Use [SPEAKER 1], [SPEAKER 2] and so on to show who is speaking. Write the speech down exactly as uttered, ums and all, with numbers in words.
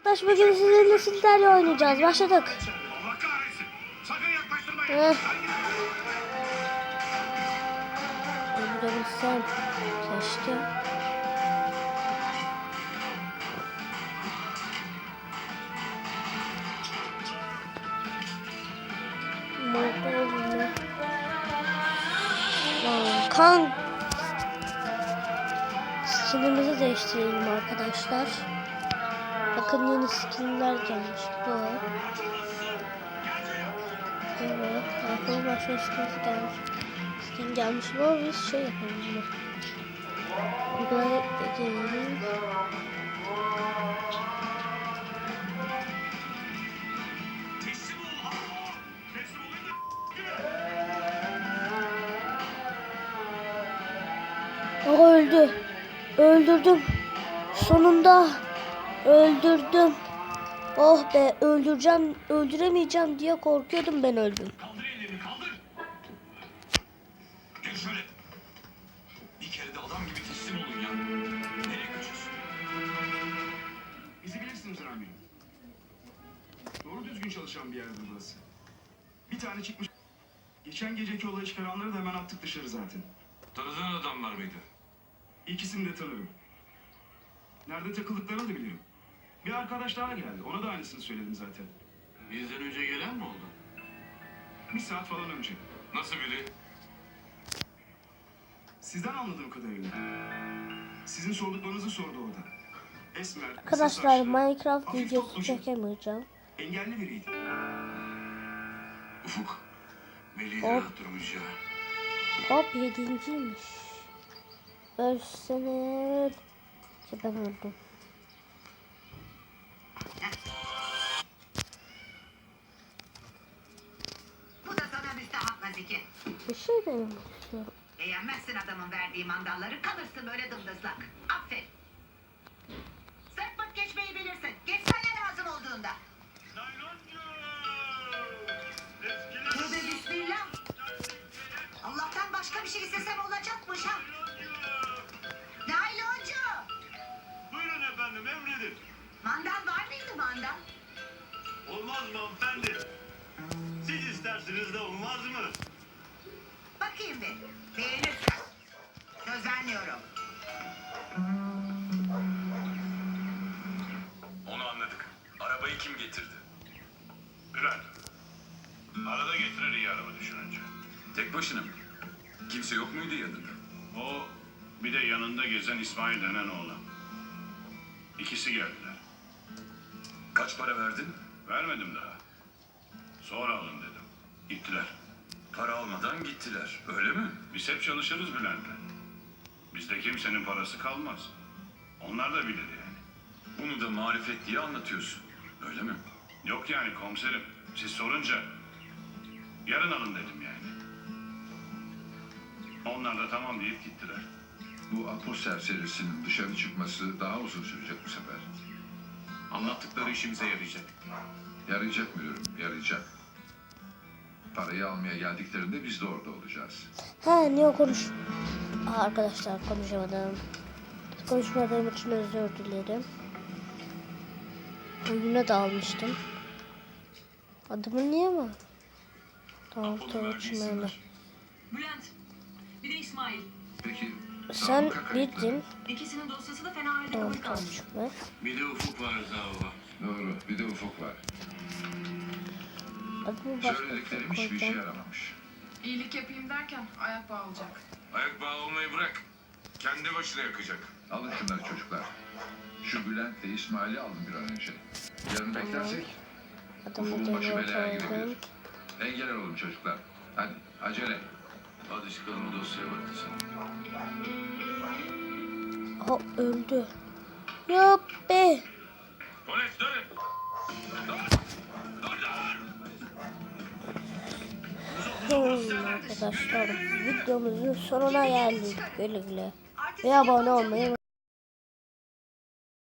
[SPEAKER 1] Arkadaş bugün sizinle Sinter'le oynayacağız. Başladık. Heh. Öldürebilsem keşke. Kan skinimizi değiştirelim arkadaşlar. Bakın yeni skinler gelmiş bu. Evet, aklıma başka skin gelmiş. Skin gelmiş bu. Biz şey yapalım bunu. Buraya edelim. O öldü. Öldürdüm. Sonunda öldürdüm. Oh be, öldüreceğim, öldüremeyeceğim diye korkuyordum, ben öldüm.
[SPEAKER 2] Kaldır ellerini, kaldır. Gel şöyle. Bir kere de adam gibi teslim olun ya. Nereye kaçıyorsun?
[SPEAKER 3] Bizi bilirsiniz amirim. Doğru düzgün çalışan bir yerdir burası. Bir tane çıkmış. Geçen geceki olayı çıkaranları da hemen attık dışarı zaten.
[SPEAKER 2] Tanıdığın adamlar mıydı?
[SPEAKER 3] İkisini de tanırım. Nerede takıldıklarını da bilirim. Bir arkadaş daha geldi. Ona da aynısını söyledim zaten.
[SPEAKER 2] Bizden önce gelen mi oldu?
[SPEAKER 3] Bir saat falan önce.
[SPEAKER 2] Nasıl biri?
[SPEAKER 3] Sizden anladığım kadarıyla. Sizin sorduklarınızı sordu orada. Esmer, kısa
[SPEAKER 1] Arkadaşlar
[SPEAKER 3] saçlı,
[SPEAKER 1] Minecraft
[SPEAKER 3] hafif
[SPEAKER 1] videosu
[SPEAKER 3] toplucu,
[SPEAKER 1] çekemeyeceğim.
[SPEAKER 3] engelli biriydi.
[SPEAKER 2] Ufuk. Melih'i
[SPEAKER 1] Hop.
[SPEAKER 2] rahat durmuş ya.
[SPEAKER 1] Hop, yedinciymiş. Ölsene. Ki ben öldüm.
[SPEAKER 4] Bu da sana müstahak Nazike.
[SPEAKER 1] Bir şey denemek istiyorum.
[SPEAKER 4] Beğenmezsin adamın verdiği mandalları, kalırsın böyle dımdızlak. Aferin. Sırt pırt geçmeyi bilirsin. Geçsene lazım olduğunda. Tövbe bismillah. Allah'tan başka bir şey istesem olacakmış ha. Nayloncu.
[SPEAKER 5] Buyurun efendim, emredin.
[SPEAKER 4] Mandal var mıydı mandal?
[SPEAKER 5] Olmaz mı hanımefendi? Siz istersiniz de olmaz mı?
[SPEAKER 4] Bakayım bir. Beğenirsen. Söz vermiyorum.
[SPEAKER 2] Onu anladık. Arabayı kim getirdi?
[SPEAKER 5] Bülent. Arada getirir iyi araba düşününce.
[SPEAKER 2] Tek başına mı? Kimse yok muydu yanında?
[SPEAKER 5] O bir de yanında gezen İsmail denen oğlan. İkisi geldiler.
[SPEAKER 2] Kaç para verdin?
[SPEAKER 5] Vermedim daha. Sonra alın dedim. Gittiler.
[SPEAKER 2] Para almadan gittiler. Öyle mi?
[SPEAKER 5] Biz hep çalışırız Bülent'le. Bizde kimsenin parası kalmaz. Onlar da bilir yani.
[SPEAKER 2] Bunu da marifet diye anlatıyorsun. Öyle mi?
[SPEAKER 5] Yok yani komiserim. Siz sorunca yarın alın dedim yani. Onlar da tamam deyip gittiler.
[SPEAKER 6] Bu Apo serserisinin dışarı çıkması daha uzun sürecek bu sefer.
[SPEAKER 2] Anlattıkları işimize yarayacak.
[SPEAKER 6] Yarayacak müdürüm, yarayacak. Parayı almaya geldiklerinde biz de orada olacağız.
[SPEAKER 1] He, niye konuş? Aa, arkadaşlar konuşamadım. Konuşmadığım için özür dilerim. Oyuna da almıştım. Adımı niye mi? Tamam, Tuğçin öyle.
[SPEAKER 7] Bülent, bir de İsmail.
[SPEAKER 6] Peki
[SPEAKER 1] Sen
[SPEAKER 6] sabıka kayıtları?
[SPEAKER 1] bildin.
[SPEAKER 7] İkisinin dosyası da fena halde
[SPEAKER 1] Tamam,
[SPEAKER 7] kabul kalmış.
[SPEAKER 1] Tuğçin ver.
[SPEAKER 2] Bir de Ufuk var Zava.
[SPEAKER 6] Doğru, bir de Ufuk var.
[SPEAKER 1] Adımı başka
[SPEAKER 6] Söylediklerim hiçbir işe
[SPEAKER 1] koyacağım.
[SPEAKER 6] yaramamış.
[SPEAKER 7] İyilik yapayım derken ayak bağı olacak.
[SPEAKER 2] Ayak bağı olmayı bırak. Kendi başına yakacak.
[SPEAKER 6] Alın şunları çocuklar. Şu Bülent'le İsmail'i alın bir an önce. Yarın beklersek
[SPEAKER 1] Adımı
[SPEAKER 6] Ufuk'un başı
[SPEAKER 1] dönüyor
[SPEAKER 6] belaya
[SPEAKER 1] koydum.
[SPEAKER 6] girebilir. Engel olun çocuklar. Hadi acele.
[SPEAKER 2] Hadi çıkalım, o dosyaya bak sen.
[SPEAKER 1] O öldü. Yok be.
[SPEAKER 2] Polis dönün.
[SPEAKER 1] Hmm, arkadaşlar videomuzun sonuna geldik. Güle güle. Ve abone olmayı